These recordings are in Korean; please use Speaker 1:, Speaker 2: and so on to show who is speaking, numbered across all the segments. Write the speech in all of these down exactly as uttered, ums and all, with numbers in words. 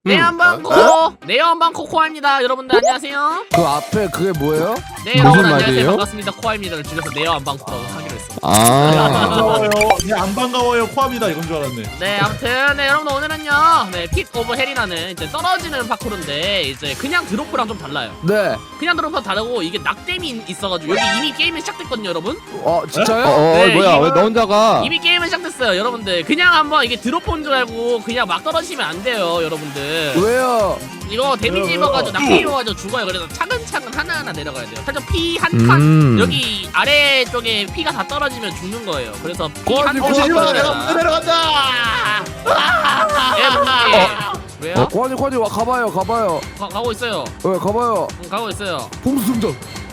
Speaker 1: 네 한방코 네 한방코 코아입니다. 여러분들 안녕하세요.
Speaker 2: 그 앞에 그게 뭐예요?
Speaker 1: 네
Speaker 3: 무슨
Speaker 1: 여러분 안녕하세요.
Speaker 3: 말이에요?
Speaker 1: 반갑습니다. 코아입니다를 줄여서 네어 한방코라고 하기로 했습니다.
Speaker 3: 아.
Speaker 4: 반가워요. 네, 안 반가워요. 코아입니다. 이건 줄 알았네.
Speaker 1: 네 아무튼 네 여러분들 오늘은요 네픽 오브 헬이라는 이제 떨어지는 파쿠르인데 이제 그냥 드로프랑 좀 달라요.
Speaker 2: 네.
Speaker 1: 그냥 드로프랑 다르고 이게 낙뎀이 있어가지고 여기 이미 게임이 시작됐거든요 여러분.
Speaker 2: 어 진짜요?
Speaker 3: 어, 어
Speaker 1: 네,
Speaker 3: 뭐야
Speaker 1: 이거-
Speaker 3: 왜 너 혼자 가?
Speaker 1: 이미 게임은 시작됐어요 여러분들. 그냥 한번 이게 드로프인 줄 알고 그냥 막 떨어지면 안 돼요 여러분들.
Speaker 2: 왜요?
Speaker 1: 이거 데미지
Speaker 4: 왜요,
Speaker 1: 입어가지고
Speaker 4: 왜요?
Speaker 1: 낙뎀 입어가지고 죽어요. 그래서 차근차근 하나하나 내려가야 돼요. 살짝 피 한 칸
Speaker 3: 음.
Speaker 1: 여기 아래쪽에 피가 다 떨어지면 죽는 거예요. 그래서 피 한
Speaker 2: 거기
Speaker 1: 칸
Speaker 2: 거기
Speaker 4: 어, 내가
Speaker 1: 떨어져야
Speaker 4: 내려간다.
Speaker 1: 예, 뭔지. 왜요?
Speaker 2: 과지 과지 와 가봐요 가봐요.
Speaker 1: 가, 가고 있어요.
Speaker 2: 왜 가봐요?
Speaker 1: 응, 가고 있어요.
Speaker 2: 봉수승전.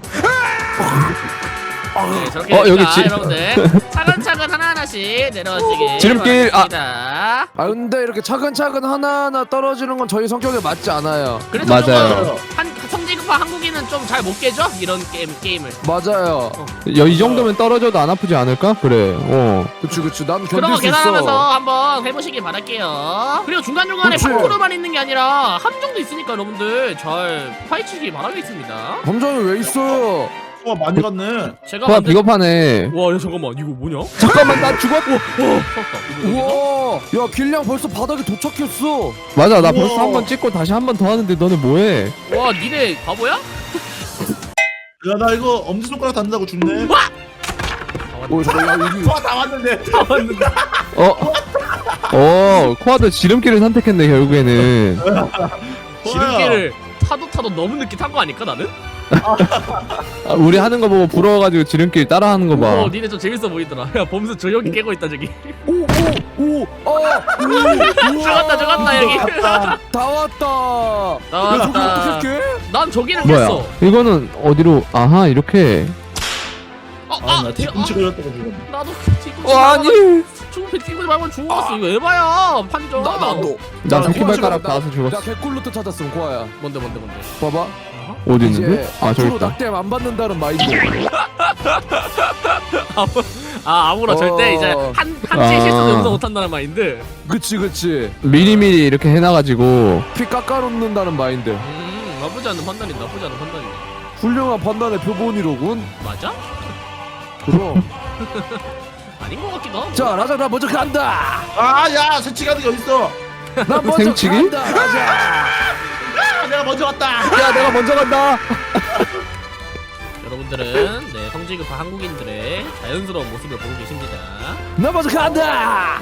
Speaker 1: 네, 저렇게
Speaker 3: 어,
Speaker 1: 되니까
Speaker 3: 여기 지-
Speaker 1: 여러분들 차근차근 하나하나씩 내려지게
Speaker 3: 지름길, 아.
Speaker 1: 바랍니다.
Speaker 2: 아 근데 이렇게 차근차근 하나하나 떨어지는 건 저희 성격에 맞지 않아요.
Speaker 1: 그래서
Speaker 3: 맞아요.
Speaker 1: 조금 한 성지급한 한국인은 좀 잘 못 깨죠? 이런 게임 게임을.
Speaker 2: 맞아요.
Speaker 3: 야, 이 정도면 떨어져도 안 아프지 않을까? 그래. 어.
Speaker 2: 그치 그치 난
Speaker 1: 그런
Speaker 2: 견딜
Speaker 1: 거
Speaker 2: 수
Speaker 1: 계산하면서
Speaker 2: 있어.
Speaker 1: 한번 해보시길 바랄게요. 그리고 중간중간에
Speaker 2: 그치.
Speaker 1: 파쿠르만 있는 게 아니라 함정도 있으니까 여러분들 잘 파헤치길 바라겠습니다.
Speaker 2: 감정이 왜 있어요?
Speaker 4: 코아 많이 갔네.
Speaker 1: 제가
Speaker 3: 코아
Speaker 1: 만든-
Speaker 3: 비겁하네.
Speaker 1: 와, 야, 잠깐만 이거 뭐냐?
Speaker 3: 잠깐만 나 죽었.
Speaker 1: 섰다. 이거 여기서?
Speaker 2: 우와. 야 길냥 벌써 바닥에 도착했어.
Speaker 3: 맞아 나
Speaker 4: 우와.
Speaker 3: 벌써 한 번 찍고 다시 한 번 더 하는데 너네 뭐해?
Speaker 1: 와, 니네 바보야?
Speaker 4: 야, 나 이거 엄지손가락 닿는다고 죽네.
Speaker 2: 오 잠깐 야 여기.
Speaker 4: 코아 다 왔는데.
Speaker 1: 다 왔는데.
Speaker 3: 어. 어 코아도 지름길을 선택했네 결국에는.
Speaker 1: 지름길을 타도 타도 너무 늦게 탄 거 아닐까 나는?
Speaker 3: 아, 우리 하는 거 보고 부러워가지고 지름길 따라하는 거 봐.
Speaker 1: 어, 니네 좀 재밌어 보이더라. 야, 범수 조용히 깨고 있다 저기.
Speaker 2: 오오오 어.
Speaker 1: 죽었다, 죽었다, 여기.
Speaker 2: 다 왔다.
Speaker 1: 나왔다.
Speaker 2: 야 저기 어떻게?
Speaker 1: 난 저기는
Speaker 3: 뭐야?
Speaker 1: 깼어.
Speaker 3: 이거는 어디로? 아하 이렇게.
Speaker 1: 어,
Speaker 4: 아,
Speaker 1: 아,
Speaker 4: 나
Speaker 1: 아,
Speaker 4: 뒤꿈치 걸렸다고 죽었네.
Speaker 1: 나도 뒤꿈치
Speaker 3: 어 아니.
Speaker 1: 죽은 뒤꿈치 말고 죽었어. 이거 에바야. 판정.
Speaker 2: 나 나도.
Speaker 3: 나
Speaker 2: 나
Speaker 3: 새끼발가락
Speaker 2: 나-
Speaker 3: 닿아서
Speaker 2: 나
Speaker 3: 죽었어.
Speaker 2: 개꿀루트 찾았음 고아야.
Speaker 1: 뭔데 뭔데 뭔데.
Speaker 2: 봐봐.
Speaker 3: 어디 있는데?
Speaker 2: 이제
Speaker 3: 아 저기
Speaker 2: 앞으로
Speaker 3: 있다.
Speaker 2: 낙뎀 안 받는다는 마인드.
Speaker 1: 아, 아무나
Speaker 2: 어.
Speaker 1: 절대 이제 한 한치
Speaker 3: 아.
Speaker 1: 실수도 용서 못 한다는 마인드.
Speaker 2: 그치 그치.
Speaker 3: 미리미리 이렇게 해놔가지고.
Speaker 2: 피 깎아놓는다는 마인드.
Speaker 1: 음, 나쁘지 않은 판단이다. 나쁘지 않은 판단이다.
Speaker 2: 훌륭한 판단의 표본이로군.
Speaker 1: 맞아?
Speaker 2: 그럼.
Speaker 1: 아닌 것 같기도 하고.
Speaker 2: 자 라자 나 먼저 간다.
Speaker 4: 아, 야, 새치 가는 게 어딨어?
Speaker 2: 나 먼저
Speaker 3: 생치기?
Speaker 2: 간다 라자.
Speaker 4: 아, 내가 먼저 왔다.
Speaker 3: 야 내가 먼저 간다.
Speaker 1: 여러분들은 네 성지급한 한국인들의 자연스러운 모습을 보고 계십니다.
Speaker 2: 나 먼저 간다.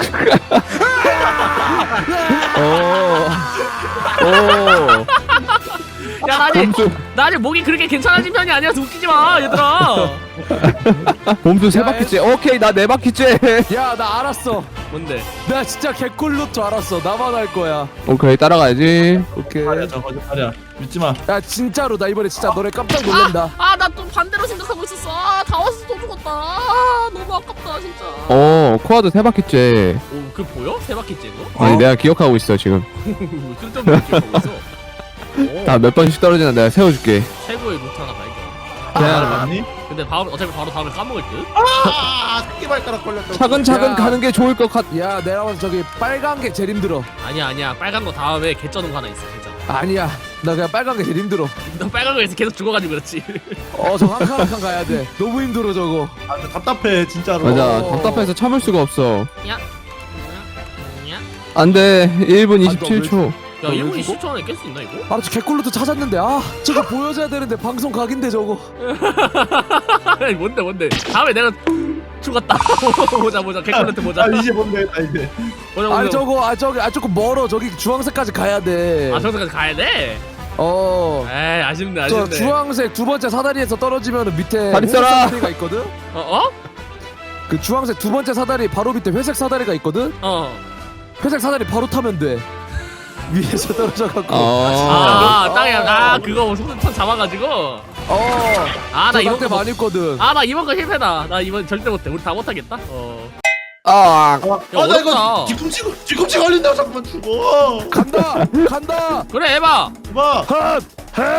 Speaker 3: 어. 오.
Speaker 1: 야, 나 아직
Speaker 3: 봄수
Speaker 1: 나 아직 목이 그렇게 괜찮아진 편이 아니라서 웃기지 마, 얘들아.
Speaker 3: 봄수 세
Speaker 2: 야,
Speaker 3: 바퀴째. 오케이 나 네 바퀴째.
Speaker 2: 야 나 알았어.
Speaker 1: 뭔데?
Speaker 2: 나 진짜 개꿀루트 알았어. 나만 할 거야.
Speaker 3: 오케이 따라가야지.
Speaker 2: 오케이.
Speaker 4: 아니야, 저 거짓말이야. 믿지 마.
Speaker 2: 야 진짜로 나 이번에 진짜 너네 깜짝 놀란다.
Speaker 1: 아, 나 또 반대로 생각하고 있었어. 아, 다 왔어 또 죽었다. 아, 너무 아깝다 진짜.
Speaker 3: 어 코아도 세 바퀴째.
Speaker 1: 오, 그 보여? 세 바퀴째 거?
Speaker 3: 아니 내가 기억하고 있어 지금.
Speaker 1: 쓸데없는 기억하고 있어. 오,
Speaker 3: 다 몇 번씩 떨어지나 내가 세워줄게.
Speaker 1: 최고의 루트 하나 발견.
Speaker 3: 야,
Speaker 4: 맞니?
Speaker 1: 근데 바로 어차피 바로 다음에 까먹을 듯.
Speaker 4: 아, 새끼발가락 걸렸다.
Speaker 3: 차근차근
Speaker 2: 야.
Speaker 3: 가는 게 좋을 것 같.
Speaker 2: 야 내가 봐서 저기 빨간 게 제일 힘들어.
Speaker 1: 아니야 아니야, 빨간 거 다음에 개쩌는 거 하나 있어. 진짜.
Speaker 2: 아니야 나 그냥 빨간 게 제일 힘들어.
Speaker 1: 너 빨간 거에서 계속 죽어가지고 그렇지.
Speaker 2: 어 저 한 칸 한 칸 가야 돼. 너무 힘들어 저거.
Speaker 4: 아, 저 답답해, 진짜로.
Speaker 3: 맞아
Speaker 2: 어.
Speaker 3: 답답해서 참을 수가 없어.
Speaker 1: 야, 야,
Speaker 3: 안돼 일 분
Speaker 2: 아,
Speaker 3: 이십칠 초.
Speaker 1: 야,
Speaker 2: 왜
Speaker 1: 일 분
Speaker 2: 죽어?
Speaker 1: 이십 초 안에 깰 수 있나 이거?
Speaker 2: 아 저 개꿀루트 찾았는데 아 저거 보여줘야 되는데 방송 각인데 저거.
Speaker 1: 아니, 뭔데 뭔데? 다음에 내가 죽었다. 보자 보자, 개꿀한테 보자.
Speaker 4: 아, 이제 뭔데, 나 이제.
Speaker 1: 보자
Speaker 2: 아
Speaker 1: 보자.
Speaker 2: 저거 아 저기 아 조금 멀어. 저기 주황색까지 가야 돼.
Speaker 1: 아, 저기까지 가야 돼?
Speaker 2: 어.
Speaker 1: 에이, 아쉽네
Speaker 2: 저
Speaker 1: 아쉽네.
Speaker 2: 주황색 두 번째 사다리에서 떨어지면 밑에
Speaker 3: 다리
Speaker 2: 회색
Speaker 3: 써라.
Speaker 2: 사다리가 있거든.
Speaker 1: 어 어?
Speaker 2: 그 주황색 두 번째 사다리 바로 밑에 회색 사다리가 있거든.
Speaker 1: 어.
Speaker 2: 회색 사다리 바로 타면 돼. 위에서 떨어져갖고.
Speaker 3: 어.
Speaker 1: 아, 땅에 아 그거 손 잡아가지고.
Speaker 2: 어.
Speaker 1: 아, 나
Speaker 2: 나
Speaker 1: 이번
Speaker 2: 이때
Speaker 1: 거.
Speaker 2: 많이 있거든.
Speaker 1: 아, 나 이번 거 실패다. 나 이번 절대 못해. 우리 다 못하겠다. 어.
Speaker 3: 아.
Speaker 4: 아, 나
Speaker 1: 어렵다.
Speaker 4: 이거 뒤꿈치, 뒤꿈치 걸린다고 자꾸만 죽어.
Speaker 2: 간다. 간다.
Speaker 1: 그래, 해봐.
Speaker 4: 봐.
Speaker 2: 핫. 핫.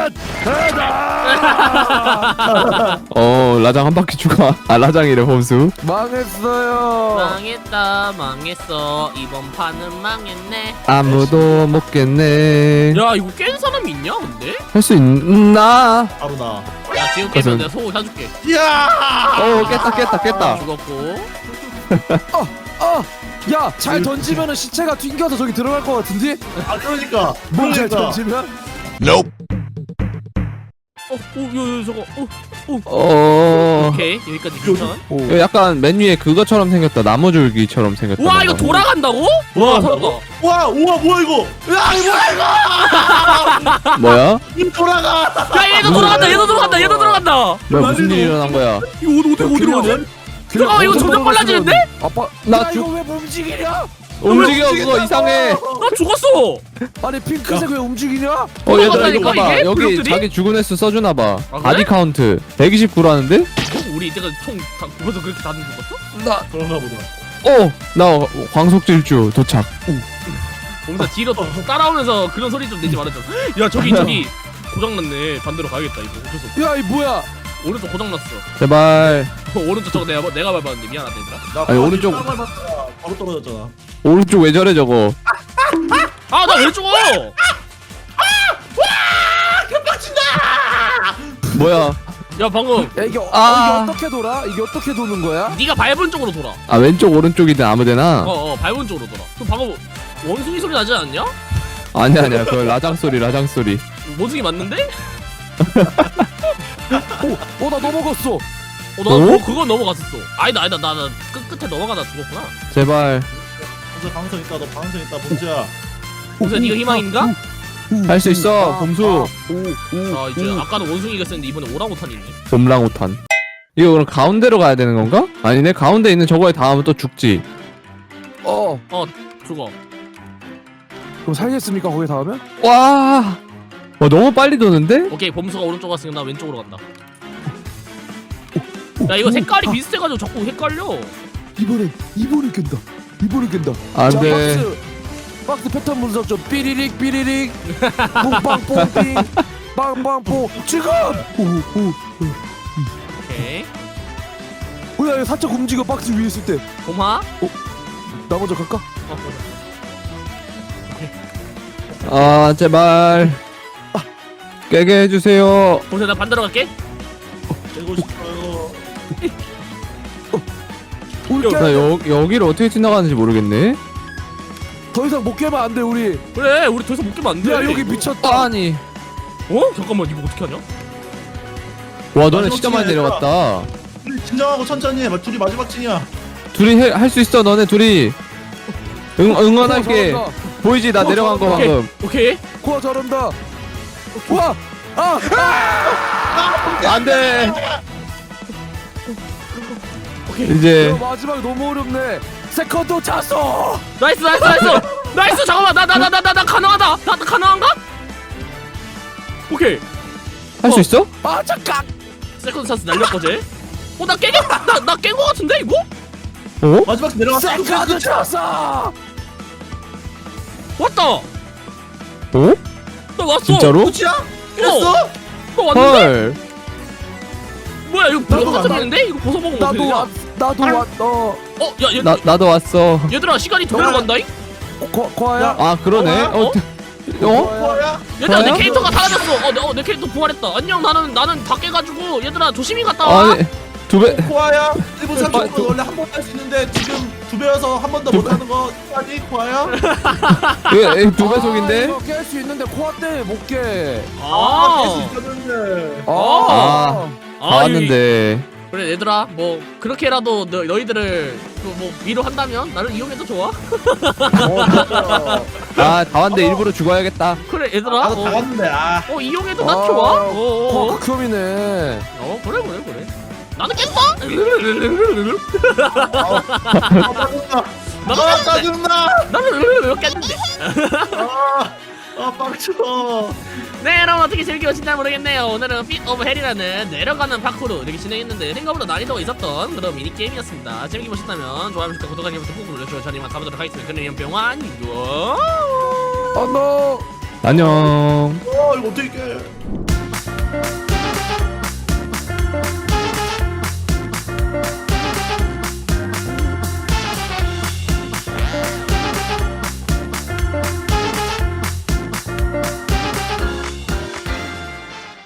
Speaker 2: 해다.
Speaker 3: 어 라장 한 바퀴 추가. 아 라장이래 범수.
Speaker 2: 망했어요.
Speaker 1: 망했다 망했어 이번 판은 망했네.
Speaker 3: 아무도 못 깼네.
Speaker 1: 야 이거 깬 사람이 있냐 근데?
Speaker 3: 할 수 있나?
Speaker 4: 바로 나.
Speaker 1: 야 지금 깨면 내가 소고 사줄게.
Speaker 4: 이야.
Speaker 3: 어 깼다 깼다 깼다.
Speaker 1: 죽었고.
Speaker 2: 어, 야, 잘 던지면은 시체가 튕겨서 저기 들어갈 것 같은데?
Speaker 4: 아 그러니까.
Speaker 2: 뭐잘
Speaker 4: 그러니까.
Speaker 2: 던지면?
Speaker 1: 어, 오, 야, 야, 저거, 오, 오.
Speaker 3: 어.
Speaker 1: 오케이 여기까지 괜찮아.
Speaker 2: 오.
Speaker 3: 이거 약간 맨 위에 그거처럼 생겼다. 나무줄기처럼 생겼다.
Speaker 1: 와 이거
Speaker 3: 뭔가.
Speaker 1: 돌아간다고? 와
Speaker 4: 돌아간다고?
Speaker 1: 살았다.
Speaker 4: 와 우와 뭐야 이거? 야 이거
Speaker 3: 뭐야?
Speaker 4: 이거 돌아가.
Speaker 1: 야 얘도 돌아간다 얘도 돌아간다 얘도 돌아간다.
Speaker 3: 뭐야 무슨 일이 일어난 거야?
Speaker 1: 이거 어디 어디 어디로 가냐? 잠깐만 이거 점점 빨라지는데?
Speaker 2: 아빠,
Speaker 3: 나
Speaker 2: 나
Speaker 3: 죽-
Speaker 2: 이거 왜 움직이냐?
Speaker 3: 움직여 그거 이상해.
Speaker 1: 나 죽었어.
Speaker 2: 아니 핑크색 왜 움직이냐?
Speaker 3: 어 얘들아 이거
Speaker 1: 돌아간다니까,
Speaker 3: 봐봐.
Speaker 1: 이게?
Speaker 3: 여기
Speaker 1: 블록들이?
Speaker 3: 자기 죽은 횟수 써주나 봐.
Speaker 1: 아, 그래?
Speaker 3: 바디 카운트 백이십구라는데?
Speaker 1: 어, 우리 이때까지 총다 벌써 그렇게 다들 죽었어?
Speaker 2: 나
Speaker 4: 그런가 보다.
Speaker 3: 어! 나 광속질주 도착.
Speaker 1: 뭔가 뒤로 따라오면서 그런 소리 좀 내지 말았잖아. 야 저기 저기 고장났네. 반대로 가야겠다 이거. 어쩔 수 없어.
Speaker 2: 야, 이 뭐야?
Speaker 1: 오른쪽 고장났어.
Speaker 3: 제발
Speaker 1: 어, 오른쪽 저거 내가 내가 밟았는데 미안하다 얘들아.
Speaker 4: 나
Speaker 3: 아니, 오른쪽-
Speaker 4: 땀을 샀다가 바로 떨어졌잖아.
Speaker 3: 오른쪽 왜 저래 저거?
Speaker 1: 아 나 왜 죽어?
Speaker 3: 뭐야?
Speaker 1: 야 방금
Speaker 2: 야, 이게, 어,
Speaker 3: 아.
Speaker 2: 이게 어떻게 돌아? 이게 어떻게 도는 거야?
Speaker 1: 네가 밟은 쪽으로 돌아.
Speaker 3: 아 왼쪽 오른쪽이든 아무데나?
Speaker 1: 어어 밟은 쪽으로 돌아. 그럼 방금 원숭이 소리 나지 않냐?
Speaker 3: 아니야 아니야 그거 라장 소리 라장 소리.
Speaker 1: 모승이 맞는데?
Speaker 2: 오, 어, 나 넘어갔어.
Speaker 1: 어, 나
Speaker 3: 어?
Speaker 1: 어? 그건 넘어갔었어. 아니다, 아니다, 나, 나 끝, 끝에 넘어가다 죽었구나.
Speaker 3: 제발
Speaker 4: bonsu 방송 있다. 너 방송 있다 bonsu야.
Speaker 1: 봉수야, 네가 희망인가?
Speaker 3: 할 수 있어 범수.
Speaker 1: 자, 이제 아까는 원숭이가 썼는데 이번에 오랑우탄이 있네.
Speaker 3: 봄랑우탄. 이거 그럼 가운데로 가야 되는 건가? 아니네 가운데 있는 저거에 닿으면 또 죽지.
Speaker 2: 어,
Speaker 1: 죽어.
Speaker 2: 그럼 살겠습니까? 거기 닿으면?
Speaker 3: 와. 와 너무 빨리 도는데?
Speaker 1: 오케이, 범수가 오른쪽 갔으니까 나 왼쪽으로 간다. 야, 이거 색깔이 비슷해가지고 자꾸 헷갈려.
Speaker 2: 이번에 이번에 깬다. 이번에 깬다.
Speaker 3: 안
Speaker 2: 자,
Speaker 3: 돼.
Speaker 2: 박스 박스 패턴 분석 좀 삐리릭 삐리릭 뽕빵뽕삥 빵빵뽕 지금. 오오
Speaker 1: 오케이.
Speaker 2: 뭐야 이거 살짝 움직여 박스 위에 있을 때.
Speaker 1: 봄아?
Speaker 2: 나 먼저 갈까?
Speaker 1: 어,
Speaker 3: 아 제발 깨게 해주세요.
Speaker 1: 범수야, 나 반대로 갈게.
Speaker 4: 되고 싶어요.
Speaker 2: 올게.
Speaker 3: 나 여, 여기를 어떻게 지나가는지 모르겠네.
Speaker 2: 더 이상 못 깨면 안 돼 우리.
Speaker 1: 그래, 우리 더 이상 못 깨면 안 돼.
Speaker 2: 야 여기 미쳤다.
Speaker 3: 아니
Speaker 1: 어? 잠깐만, 이거 어떻게 하냐?
Speaker 3: 와 너네
Speaker 4: 마지막
Speaker 3: 진짜 많이
Speaker 4: 층이야,
Speaker 3: 내려갔다.
Speaker 4: 우리 진정하고 천천히 해. 둘이 마지막 층이야.
Speaker 3: 둘이 할 수 있어 너네 둘이. 응 응원할게.
Speaker 2: 코아
Speaker 3: 보이지 나
Speaker 2: 어,
Speaker 3: 내려간 거
Speaker 1: 오케이.
Speaker 3: 방금.
Speaker 1: 오케이.
Speaker 2: 코아 잘한다. 와. 아.
Speaker 3: 안돼.
Speaker 1: 오케이.
Speaker 3: 이제
Speaker 2: 야, 마지막 너무 어렵네. 세컨드 찼어.
Speaker 1: 나이스, 나이스, 나이스! 나이스! 잠깐만, 나, 나, 나, 나, 나, 나 가능하다! 나, 나 가능한가? 오케이.
Speaker 3: 할 수 있어?
Speaker 2: 아 잠깐.
Speaker 1: 세컨드 찬스 날렸거지? 어, 나 깨겠, 나, 나 깬 거 같은데, 이거?
Speaker 3: 어?
Speaker 4: 마지막 층 내려갔어.
Speaker 2: 세컨드 찼어.
Speaker 1: 왔다!
Speaker 3: 어?
Speaker 1: 나 왔어!
Speaker 3: 진짜로?
Speaker 4: 끝이야? 이랬어?
Speaker 1: 나 왔는데?
Speaker 3: 헐.
Speaker 1: 뭐야, 이거
Speaker 4: 나도
Speaker 1: 버섯
Speaker 4: 왔나?
Speaker 1: 같은데? 이거 벗어먹으면 어떻게
Speaker 2: 나도
Speaker 1: 되냐?
Speaker 2: 왔. 나도 왔. 어.
Speaker 1: 어, 야, 얘,
Speaker 3: 나 나도 왔어.
Speaker 1: 얘들아, 시간이 도배로 간다잉?
Speaker 2: 코 코아야.
Speaker 3: 아 그러네.
Speaker 1: 어?
Speaker 3: 어? 어?
Speaker 4: 뭐야?
Speaker 1: 얘들아, 내
Speaker 3: 저요?
Speaker 1: 캐릭터가 사라졌어! 어, 내, 어, 내 캐릭터 부활했다. 안녕, 나는, 나는 다 깨가지고, 얘들아, 조심히 갔다 와!
Speaker 3: 아니 두 배.
Speaker 4: 코아야? 일 분 삼십
Speaker 3: 아,
Speaker 4: 분 원래 한 번 할 수 있는데 지금 두 배여서 한 번 더 못 하는 거 아니 코아야?
Speaker 3: 이거 두 배속인데?
Speaker 2: 아, 이거 깰 수 있는데 코아 때문에 못 깨.
Speaker 4: 아, 깰수
Speaker 1: 아,
Speaker 4: 있었는데.
Speaker 2: 아.
Speaker 3: 다 왔는데.
Speaker 1: 그래, 얘들아, 뭐, 그렇게라도 너, 너희들을, 그 뭐, 위로한다면, 나를 이용해도 좋아?
Speaker 4: 어, 진짜.
Speaker 3: 아 다 왔는데 일부러 죽어야겠다.
Speaker 1: 그래, 얘들아.
Speaker 4: 나도 다
Speaker 1: 어,
Speaker 4: 갔는데 아.
Speaker 1: 어, 이용해도 난
Speaker 2: 아,
Speaker 1: 좋아? 어, 어,
Speaker 2: 코아
Speaker 1: 어.
Speaker 2: 극혐이네.
Speaker 1: 어, 그래, 그래, 그래. 나는 깼어?
Speaker 4: 아, 짜증나. 아, 짜증나.
Speaker 1: 나는 깼는데.
Speaker 4: 아, 아 빡쳐.
Speaker 1: 네, 여러분 어떻게 즐겨보셨나 모르겠네요. 오늘은 핏 오브 헬이라는 내려가는 파쿠르 이렇게 진행했는데 생각보다 난이도가 있었던 그런 미니게임이었습니다. 재밌게 보셨다면 좋아요, 구독, 구독, 알림 버튼 꾹 눌러주시고 저는 이만 가보도록 하겠습니다. 그는 연병환 이거
Speaker 2: 어 너.
Speaker 3: 안녕.
Speaker 4: 어 이거 어떻게 깨?